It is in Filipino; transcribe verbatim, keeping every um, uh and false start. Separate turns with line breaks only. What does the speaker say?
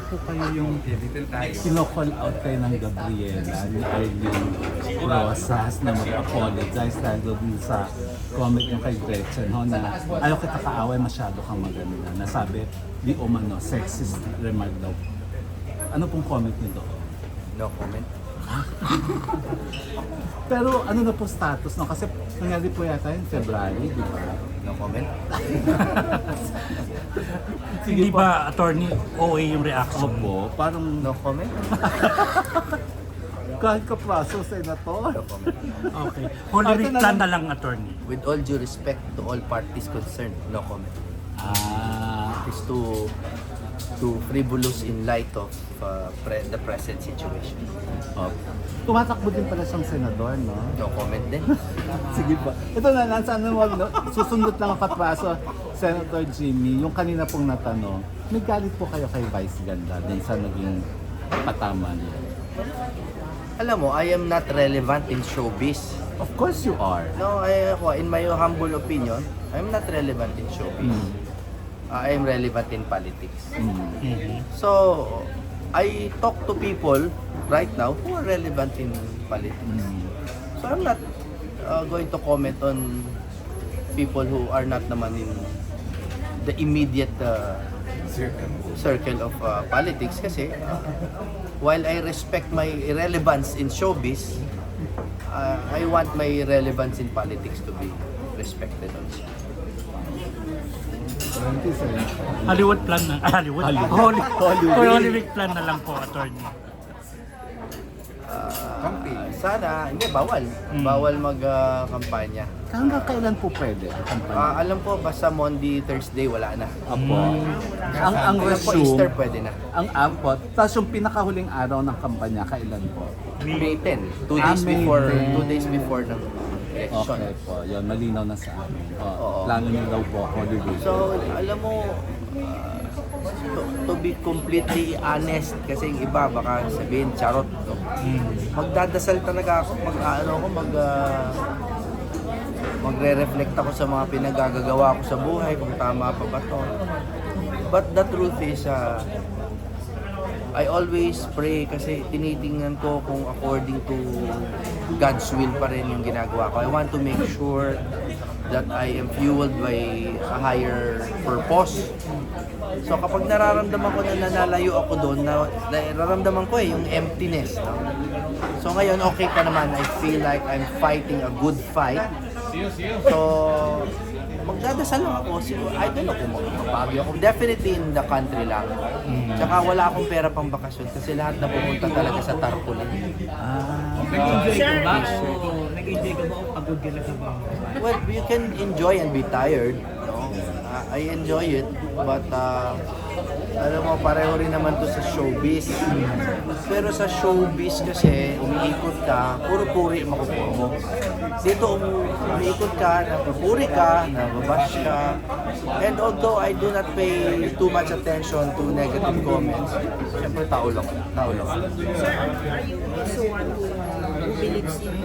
po kayo yung kino-call out kayo ng Gabriela ni Arlene Rosas na mag-apologize dahil doon sa comment yung kay Gretchen ho na ayaw kita kaaway, masyado kang maganda. Nasabi, di umano, sexist remark daw. Ano pong comment niyo doon?
No comment.
Pero ano na po status no? Kasi nangyari po yata yung February, di ba?
No comment.
Hindi ba, attorney, O A yung reaction?
Opo, parang
No comment.
kahit ka-praso, Senator.
No comment.
Okay. Holy
Ah, ito
Week
na
plan
lang.
na lang, attorney.
With all due respect to all parties concerned, no comment.
Ah,
It is too too frivolous in light of uh, pre- the present situation.
oh. Tumatakbo din pala siyang senador, no?
No comment din.
Sige po. Ito na lang, sana wag, no? Susundot lang ang kapraso, Senator Jimmy, yung kanina pong natanong, may galit po kayo kay Vice Ganda din sa naging patama niya.
Alam mo, I am not relevant in showbiz.
Of course you are.
No, I, ako, in my humble opinion, I am not relevant in showbiz.
Mm.
Uh, I am relevant in politics.
Mm.
Mhm.
So, I talk to people right now who are relevant in politics.
Mm.
So, I'm not uh, going to comment on people who are not naman in the immediate uh, circle of uh, politics kasi uh, while I respect my relevance in showbiz, uh, I want my relevance in politics to be respected also.
Thank you, Senator.
Hollywood plan na. Ah, Hollywood.
Hollywood.
Holy,
Hollywood.
Holy Week plan na lang po, attorney.
Uh, sana, hindi, bawal.
Mm.
Bawal mag-kampanya.
Hanggang kailan po pwede ang kampanya?
Ah, alam po, basta Monday, Thursday, wala na.
Apo. Ang ang
Alam po, Easter
resume,
pwede na.
ang ampot, tapos yung pinakahuling araw ng kampanya, kailan po?
May tenth, two
Ah,
days
May
before,
tenth.
two days before ng election.
Okay po, yun, malinaw na sa amin. Oh,
Oo.
plano niyo daw po, Hollywood.
So, alam mo, ah, to, to be completely honest, kasi yung iba baka sabihin charot, no? Magdadasal talaga ako, mag ano ako, mag ah, magre-reflect ako sa mga pinagagagawa ko sa buhay, kung tama pa ba to. But the truth is, ah, I always pray kasi tinitingnan ko kung according to God's will pa rin yung ginagawa ko. I want to make sure that I am fueled by a higher purpose. So kapag nararamdaman ko na nanalayo ako doon, na, nararamdaman ko eh yung emptiness. No? So ngayon okay pa naman, I feel like I'm fighting a good fight. So magdadasal lang ako. Siguro, I don't know kung magpapagyo ako. Definitely in the country lang. Tsaka wala akong pera pang bakasyon kasi lahat na pumunta talaga sa tarpaulin.
Ah,
Nag-enjoy ka ba o nag-enjoy ka ba o pagod ka na sa bahay?
Well, you can enjoy and be tired. No? Uh, I enjoy it, but uh, alam mo, pareho rin naman to sa showbiz. Pero sa showbiz kasi, umiikot ka, puro-puri makukuha mo. Dito, um, umiikot ka, napupuri ka, nababash ka. And although I do not pay too much attention to negative comments, syempre tao lang, tao lang.
Sir, are, are you also one who, uh, who believes in